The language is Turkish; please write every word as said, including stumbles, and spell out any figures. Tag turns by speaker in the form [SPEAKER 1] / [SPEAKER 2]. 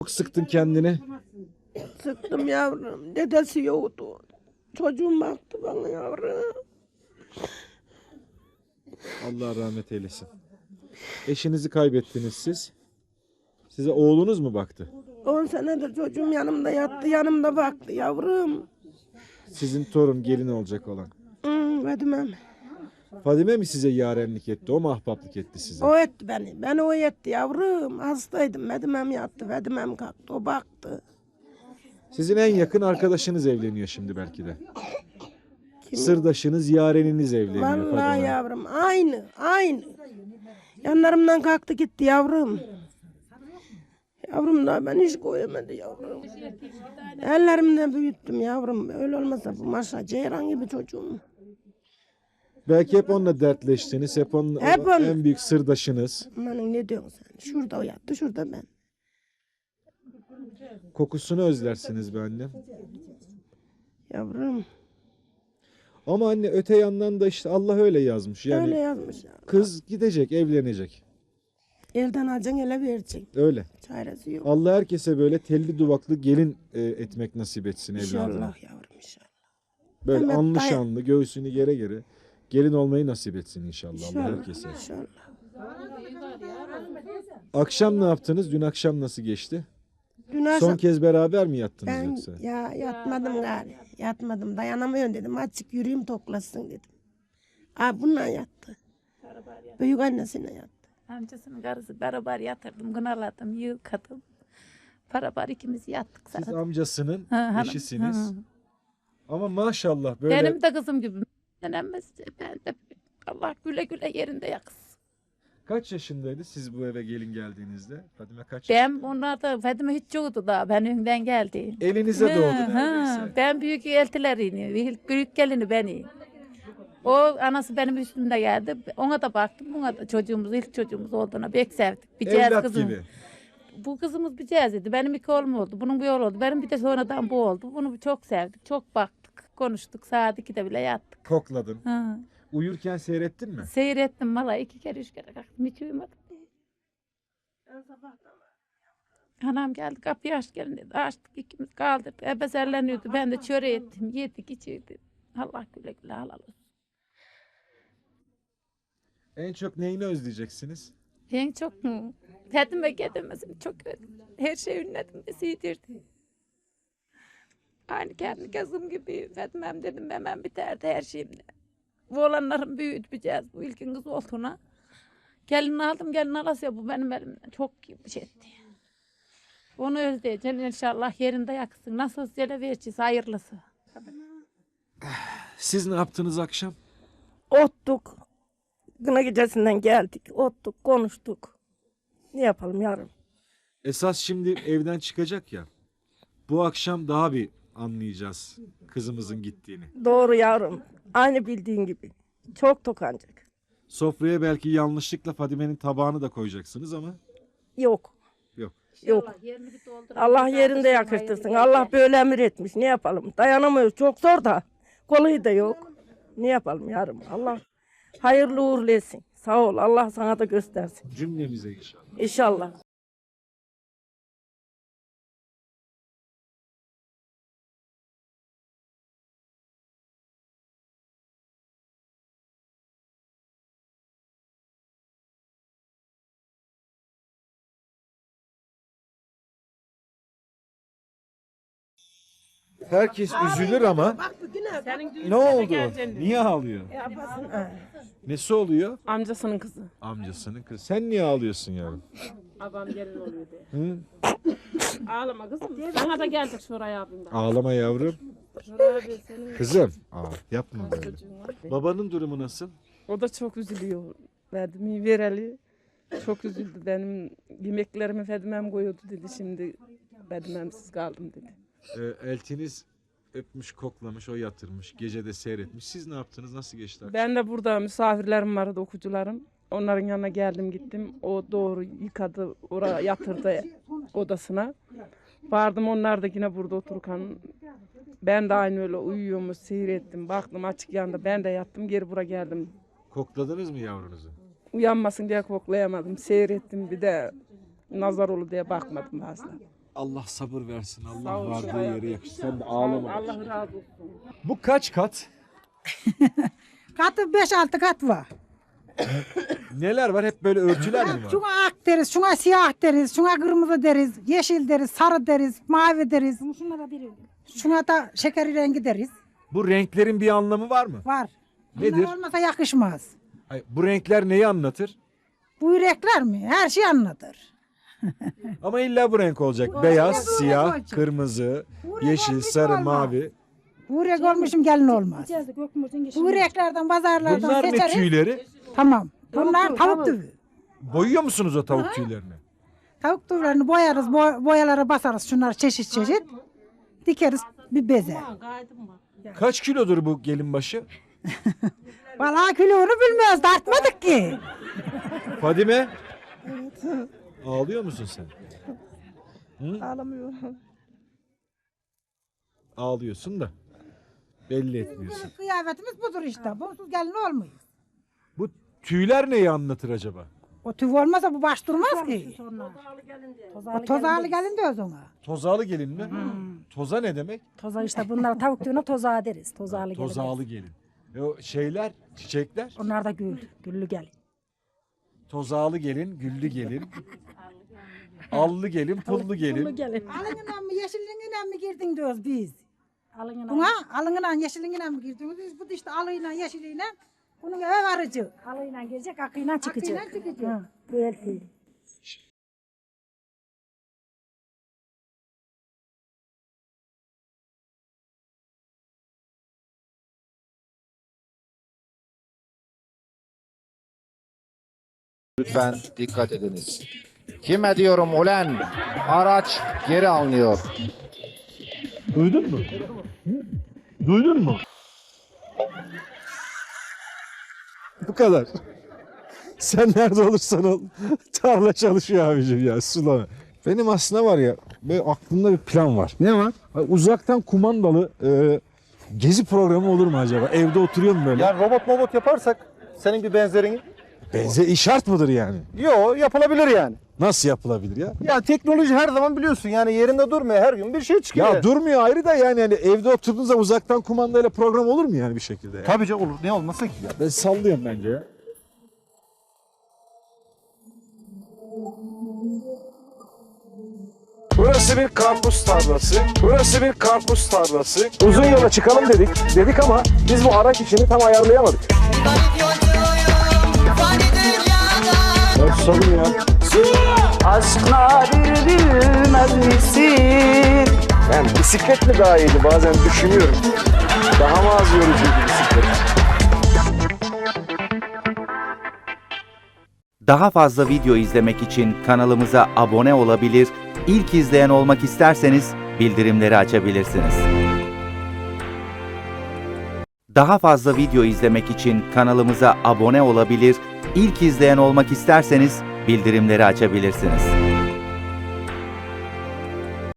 [SPEAKER 1] Çok sıktın kendini.
[SPEAKER 2] Sıktım yavrum. Dedesi yoktu. Çocuğum baktı bana yavrum.
[SPEAKER 1] Allah rahmet eylesin. Eşinizi kaybettiniz siz. Size oğlunuz mu baktı?
[SPEAKER 2] On senedir çocuğum yanımda yattı, yanımda baktı yavrum.
[SPEAKER 1] Sizin torun gelin olacak olan.
[SPEAKER 2] Hmm, Fadimem.
[SPEAKER 1] Fadime mi size yarenlik etti? O mu ahbaplık etti size?
[SPEAKER 2] O etti beni. Beni o etti yavrum. Hastaydım. Fadimem yattı. Fadimem kalktı. O baktı.
[SPEAKER 1] Sizin en yakın arkadaşınız evleniyor şimdi belki de.
[SPEAKER 2] Kim?
[SPEAKER 1] Sırdaşınız, yareniniz evleniyor
[SPEAKER 2] Vallahi
[SPEAKER 1] Fadime.
[SPEAKER 2] yavrum. Aynı. Aynı. Yanlarımdan kalktı gitti yavrum. Yavrum da ben hiç koyamadı yavrum. Ellerimle büyüttüm yavrum. Öyle olmasa bu maşa ceyran gibi çocuğum.
[SPEAKER 1] Belki hep onunla dertleştiniz. Hep onun
[SPEAKER 2] Hep
[SPEAKER 1] o
[SPEAKER 2] on-
[SPEAKER 1] en büyük sırdaşınız.
[SPEAKER 2] Amanın ne diyorsun sen? Şurada o yattı, şurada ben.
[SPEAKER 1] Kokusunu özlersiniz be annem.
[SPEAKER 2] Yavrum
[SPEAKER 1] Ama anne öte yandan da işte Allah öyle yazmış. Yani
[SPEAKER 2] öyle yazmış ya.
[SPEAKER 1] kız gidecek, evlenecek.
[SPEAKER 2] Elden alacaksın, ele vereceksin.
[SPEAKER 1] Öyle.
[SPEAKER 2] Çaresi yok.
[SPEAKER 1] Allah herkese böyle telli duvaklı gelin e, etmek nasip etsin evladına.
[SPEAKER 2] İnşallah yavrum inşallah.
[SPEAKER 1] Böyle
[SPEAKER 2] Mehmet
[SPEAKER 1] anlı
[SPEAKER 2] dayı-
[SPEAKER 1] şanlı, göğsünü gere gere gelin olmayı nasip etsin inşallah, Allah
[SPEAKER 2] İnşallah.
[SPEAKER 1] herkese.
[SPEAKER 2] İnşallah.
[SPEAKER 1] Akşam ne yaptınız? Dün akşam nasıl geçti?
[SPEAKER 2] Dün
[SPEAKER 1] Son
[SPEAKER 2] akşam
[SPEAKER 1] kez beraber mi yattınız
[SPEAKER 2] ben
[SPEAKER 1] yoksa?
[SPEAKER 2] ya yatmadım gari. Yatmadım. Dayanamıyorum dedim. Azıcık yürüyeyim toklasın dedim. Aa bununla yattı. Büyük annesine yattı.
[SPEAKER 3] Amcasının karısı beraber yatırdım, gınaladım, yıkadım. Beraber ikimiz yattık
[SPEAKER 1] Siz
[SPEAKER 3] zaten.
[SPEAKER 1] amcasının
[SPEAKER 3] Ha, hanım.
[SPEAKER 1] eşisiniz.
[SPEAKER 3] Ha.
[SPEAKER 1] Ama maşallah böyle
[SPEAKER 3] Benim de kızım gibi. Denemez. Ben de Allah güle güle yerinde yaksın.
[SPEAKER 1] kaç yaşındaydı siz bu eve gelin geldiğinizde? Fadime kaç
[SPEAKER 3] Ben onlar da Fadime hiç yoktu da ben önden geldi.
[SPEAKER 1] Elinize
[SPEAKER 3] Ha,
[SPEAKER 1] doğdu
[SPEAKER 3] ha.
[SPEAKER 1] neredeyse.
[SPEAKER 3] Ben büyük eltilerini, ilk büyük gelini beni. O anası benim üstümde geldi. Ona da baktım. Ona da çocuğumuz, ilk çocuğumuz olduğuna pek sevdik. Bir cihaz
[SPEAKER 1] Evlat
[SPEAKER 3] kızım.
[SPEAKER 1] gibi.
[SPEAKER 3] Bu kızımız bir cihazıydı. Benim iki oğlum oldu. Bunun bir oğlu oldu. Benim bir de sonradan bu oldu. Bunu çok sevdik. Çok baktık. Konuştuk. Saat ikide bile yattık.
[SPEAKER 1] Kokladın.
[SPEAKER 3] Ha.
[SPEAKER 1] Uyurken seyrettin mi?
[SPEAKER 3] Seyrettim valla. iki kere üç kere kalktım. Hiç uyumadım. Anam geldi kapıyı aç gelin dedi. Açtık ikimiz kaldırdık. Ebezerleniyordu. Ben de çöre ettim. Yedik içirdik. Allah güle güle halal olsun.
[SPEAKER 1] En çok neyini özleyeceksiniz?
[SPEAKER 3] En çok mu? Fedime gedemezim çok özledim. Her şey ünledim de siydirdi. Aynı kendi kızım gibi Fedimem dedim hemen biterdi her şeyimle. Bu olanların büyüteceğiz bu ilkin kız olduğuna. Gelin aldım gelin alasya bu benim elimden çok bir şey etti. Onu özleyeceğim inşallah yerinde yaksın. Nasıl söyle vereceğiz hayırlısı.
[SPEAKER 1] Siz ne yaptınız akşam?
[SPEAKER 2] Ottuk. Kına gecesinden geldik. Ottuk, konuştuk. Ne yapalım yavrum?
[SPEAKER 1] Esas şimdi evden çıkacak ya. Bu akşam daha bir anlayacağız kızımızın gittiğini.
[SPEAKER 2] Doğru yavrum. Aynı bildiğin gibi. Çok tokancak.
[SPEAKER 1] Sofraya belki yanlışlıkla Fadime'nin tabağını da koyacaksınız ama
[SPEAKER 2] Yok.
[SPEAKER 1] yok.
[SPEAKER 2] Yok. Allah yerinde yakıştırsın. Allah böyle emir etmiş. Ne yapalım? Dayanamıyoruz. Çok zor da. Kolay da yok. Ne yapalım yarım? Allah hayırlı uğurlu etsin. Sağ ol. Allah sana da göstersin.
[SPEAKER 1] Cümlemize inşallah.
[SPEAKER 2] İnşallah.
[SPEAKER 1] Herkes üzülür ama ne oldu? Niye ağlıyor? Nesi oluyor?
[SPEAKER 4] Amcasının kızı.
[SPEAKER 1] Amcasının kızı. Sen niye ağlıyorsun yavrum?
[SPEAKER 4] Babam gelin oluyor diye.
[SPEAKER 1] Hı?
[SPEAKER 4] Ağlama kızım. Bana da geldik şuraya abim da.
[SPEAKER 1] Ağlama yavrum.
[SPEAKER 4] Şuraya abi senin
[SPEAKER 1] Kızım. Aa, yapma böyle.
[SPEAKER 4] çocuğun var.
[SPEAKER 1] Babanın durumu nasıl?
[SPEAKER 4] O da çok üzülüyor. Verdim vereli. Çok üzüldü. Benim yemeklerimi Fedimem koyuyordu dedi. Şimdi Fedimemsiz kaldım dedi.
[SPEAKER 1] Ee, eltiniz öpmüş, koklamış, o yatırmış. Gece de seyretmiş. Siz ne yaptınız? Nasıl geçti akşam?
[SPEAKER 4] Ben de burada misafirlerim vardı, okucularım. Onların yanına geldim gittim. O doğru yıkadı, oraya yatırdı odasına. Vardım onlar da yine burada otururken. Ben de aynı öyle uyuyormuş, seyrettim. Baktım açık yanında ben de yattım, geri buraya geldim.
[SPEAKER 1] Kokladınız mı yavrunuzu?
[SPEAKER 4] Uyanmasın diye koklayamadım, seyrettim. Bir de nazar olur diye bakmadım fazla.
[SPEAKER 1] Allah sabır versin.
[SPEAKER 4] Sağ
[SPEAKER 1] Allah
[SPEAKER 4] ol,
[SPEAKER 1] vardığı
[SPEAKER 4] Şuray
[SPEAKER 1] yere
[SPEAKER 4] abi.
[SPEAKER 1] yakışır. Sen de
[SPEAKER 4] Sağ ol,
[SPEAKER 1] ağlama.
[SPEAKER 4] Allah razı olsun.
[SPEAKER 1] Bu kaç kat?
[SPEAKER 5] Katı beş altı kat var.
[SPEAKER 1] Neler var? Hep böyle örtüler mi var?
[SPEAKER 5] Şuna ak deriz, şuna siyah deriz, şuna kırmızı deriz, yeşil deriz, sarı deriz, mavi deriz. Şuna da şeker rengi deriz.
[SPEAKER 1] Bu renklerin bir anlamı var mı?
[SPEAKER 5] Var.
[SPEAKER 1] Nedir?
[SPEAKER 5] Bunlar olmasa yakışmaz.
[SPEAKER 1] Hayır, bu renkler neyi anlatır?
[SPEAKER 5] Bu yürekler mi? Her şey anlatır.
[SPEAKER 1] Ama illa bu renk olacak.
[SPEAKER 5] Bu
[SPEAKER 1] Beyaz,
[SPEAKER 5] renk bu renk
[SPEAKER 1] siyah,
[SPEAKER 5] olacak.
[SPEAKER 1] kırmızı,
[SPEAKER 5] Bu renk
[SPEAKER 1] yeşil,
[SPEAKER 5] olmuş
[SPEAKER 1] sarı,
[SPEAKER 5] olmaz.
[SPEAKER 1] mavi.
[SPEAKER 5] Bu yürek olmuşum gelin olmaz. Bu yüreklerden, pazarlardan
[SPEAKER 1] Bunlar ne
[SPEAKER 5] seçeriz.
[SPEAKER 1] tüyleri?
[SPEAKER 5] Tamam. Bunlar tavuk tüyü.
[SPEAKER 1] Boyuyor musunuz o tavuk tüylerini?
[SPEAKER 5] Tavuk tüylerini boyarız, boy- boyalara basarız. Şunlar çeşit çeşit. Dikeriz bir beze.
[SPEAKER 1] Kaç kilodur bu gelin başı?
[SPEAKER 5] Vallahi kilonu bilmiyoruz, tartmadık ki.
[SPEAKER 1] Fadime? Ağlıyor musun sen?
[SPEAKER 2] Ağlamıyorum.
[SPEAKER 1] Ağlıyorsun da belli etmiyorsun.
[SPEAKER 5] Bizim kıyafetimiz budur işte. Bunsuz gelin olmuyor.
[SPEAKER 1] Bu tüyler neyi anlatır acaba?
[SPEAKER 5] O tüy olmasa bu baş durmaz ki. O tozağlı gelin diyoruz ona.
[SPEAKER 1] Tozağlı gelin mi? Toza ne demek?
[SPEAKER 6] Toza işte bunlar tavuk tüyüne tozağı deriz. Tozağlı gelin.
[SPEAKER 1] Tozağlı gelin. E o şeyler, çiçekler?
[SPEAKER 6] Onlar da gül. Güllü gelin.
[SPEAKER 1] Tozağlı gelin, güllü gelin. Allı gelin, pullu gelin.
[SPEAKER 6] gelin.
[SPEAKER 5] Alınından mı yeşilliğinden mi girdin diyoruz biz.
[SPEAKER 6] Alın
[SPEAKER 5] Buna alınından yeşilliğinden mi girdiniz? Biz bu da işte alıyla yeşiliyle bunun eve varıcı.
[SPEAKER 6] Alıyla gelecek, akıyla çıkacak.
[SPEAKER 5] Akıyla çıkacak.
[SPEAKER 6] Ha, böyle.
[SPEAKER 7] Lütfen dikkat ediniz. Kime diyorum ulen? Araç geri alınıyor.
[SPEAKER 1] Duydun mu? Duydun mu? Bu kadar. Sen nerede olursan ol. Tarla çalışıyor abicim ya, sulama. Benim aslında var ya, böyle aklımda bir plan var. Ne var? Uzaktan kumandalı e, gezi programı olur mu acaba? Evde oturuyorum böyle.
[SPEAKER 8] Yani robot robot yaparsak senin bir benzerini.
[SPEAKER 1] Benze şart mıdır yani?
[SPEAKER 8] Yo, yapılabilir yani.
[SPEAKER 1] Nasıl yapılabilir ya?
[SPEAKER 8] Ya teknoloji her zaman biliyorsun yani yerinde durmuyor, her gün bir şey çıkıyor.
[SPEAKER 1] Ya durmuyor ayrı da yani, yani evde oturduğunuzda uzaktan kumandayla program olur mu yani bir şekilde? Ya?
[SPEAKER 8] Tabii canım olur. Ne olmasın ki ya?
[SPEAKER 1] Ben sallıyorum bence ya. Burası bir karpuz tarlası. Burası bir karpuz tarlası. Uzun yola çıkalım dedik. Dedik ama biz bu araç işini tam ayarlayamadık. Ben susadım ya.
[SPEAKER 9] Aşkla bir bilmez misin?
[SPEAKER 1] Yani bisiklet mi daha iyiydi bazen düşünüyorum. Daha mı az yorucuydu bisiklet?
[SPEAKER 10] Daha fazla video izlemek için kanalımıza abone olabilir, ilk izleyen olmak isterseniz bildirimleri açabilirsiniz. Daha fazla video izlemek için kanalımıza abone olabilir, ilk izleyen olmak isterseniz bildirimleri açabilirsiniz.